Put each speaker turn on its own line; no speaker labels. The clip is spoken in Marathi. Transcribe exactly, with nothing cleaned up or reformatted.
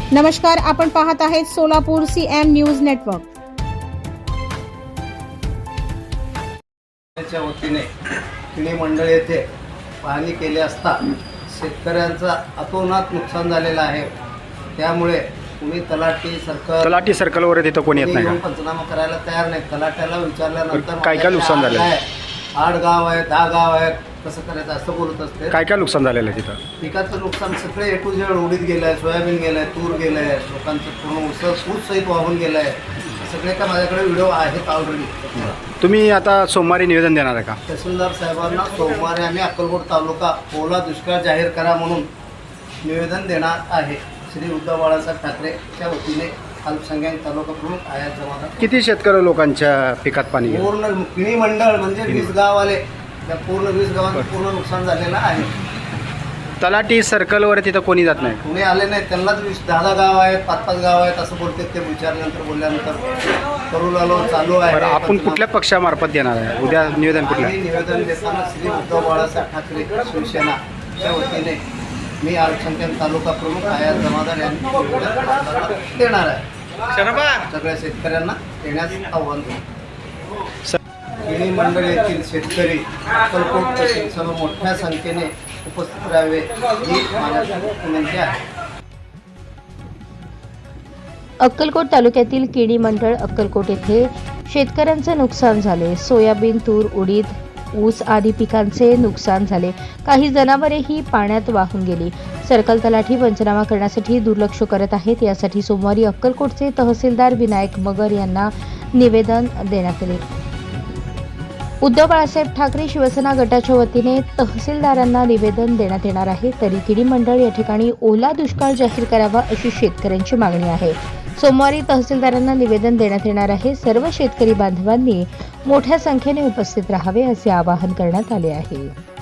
नमस्कार, आपण पाहत आहेत Solapur C M news network.
च्या वतीने किणी मंडळ येथे पाहणी केली असता शेतकऱ्यांचा अतोनात नुकसान झालेलं आहे. त्यामुळे कुणी तलाठी सर्कल
तलाठी सर्कलवर तिथं कोणी येत नाही का?
पंचनामा करायला तयार नाही. तलाट्याला विचारल्यानंतर
काय काय नुकसान झालेलं आहे?
आठ गाव आहेत, दहा गाव आहेत, कसं करायचं असं बोलत असते.
काय काय नुकसान झालेलं आहे तिथं?
पिकाचं नुकसान सगळे ए टू झेड उडीत गेलं आहे, सोयाबीन गेलं आहे, तूर गेलं आहे, लोकांचं पूर्ण ऊस ऊस सहित वाहून गेलं आहे. सगळे का माझ्याकडे व्हिडिओ आहेत ऑलरेडी.
तुम्ही आता सोमवारी निवेदन देणार आहे का?
तहसीलदार साहेबांना सोमवारी आम्ही अक्कलकोट तालुका ओला दुष्काळ जाहीर करा म्हणून निवेदन देणार आहे. श्री उद्धव बाळासाहेब ठाकरेच्या वतीने अल्पसंख्याक तालुका प्रमुख आयात जमादार.
किती शेतकरी लोकांच्या पिकात पाणी गेलं?
पूर्ण किणी मंडळ म्हणजे वीस गाववाले, त्या पूर्ण वीस गावांचं पूर्ण नुकसान झालेलं आहे.
तलाठी सर्कलवर तिथं कोणी जात नाही?
कुणी आले नाही. त्यांनाच वीस दहा दहा गाव आहेत, पाच पाच गाव आहेत असं बोलतात. ते विचारल्यानंतर बोलल्यानंतर करू लागलो चालू आहे.
बरं, आपण कुठल्या पक्षामार्फत देणार आहे उद्या निवेदन? कुठलं
आम्ही निवेदन देताना श्री उद्धव बाळासाहेब ठाकरे शिवसेनाच्या वतीने मी अल्पसंख्याक तालुका प्रमुख आयात जमादार यांनी देणार आहे. सगळ्या शेतकऱ्यांना देण्यास आव्हान देतो. किणी मंडळ येथील शेतकरी अक्कलकोट तहसीलसह मोठ्या संख्येने उपस्थित राहावे ही माझ्या विनंती आहे.
अक्कलकोट तालुक्यातील किणी मंडळ अक्कलकोट येथे शेतकऱ्यांचे नुकसान झाले. सोयाबीन, तूर, उडीद, ऊस आदी पिकांचे नुकसान झाले. काही जनावरेही पाण्यात वाहून गेली. सर्कल तलाठी पंचनामा करण्यासाठी दुर्लक्ष करत आहेत. यासाठी सोमवारी अक्कलकोटचे तहसीलदार विनायक मगर यांना निवेदन देण्यात आले. उद्धव बाळासाहेब ठाकरे शिवसेना गटाच्या वतीने तहसीलदारांना निवेदन देण्यात येणार आहे. तरी किणी मंडळ या ठिकाणी ओला दुष्काळ जाहीर करावा अशी शेतकऱ्यांची मागणी आहे. सोमवारी तहसीलदारांना निवेदन देण्यात येणार आहे. सर्व शेतकरी बांधवांनी मोठ्या संख्येने उपस्थित राहावे असे आवाहन करण्यात आले आहे.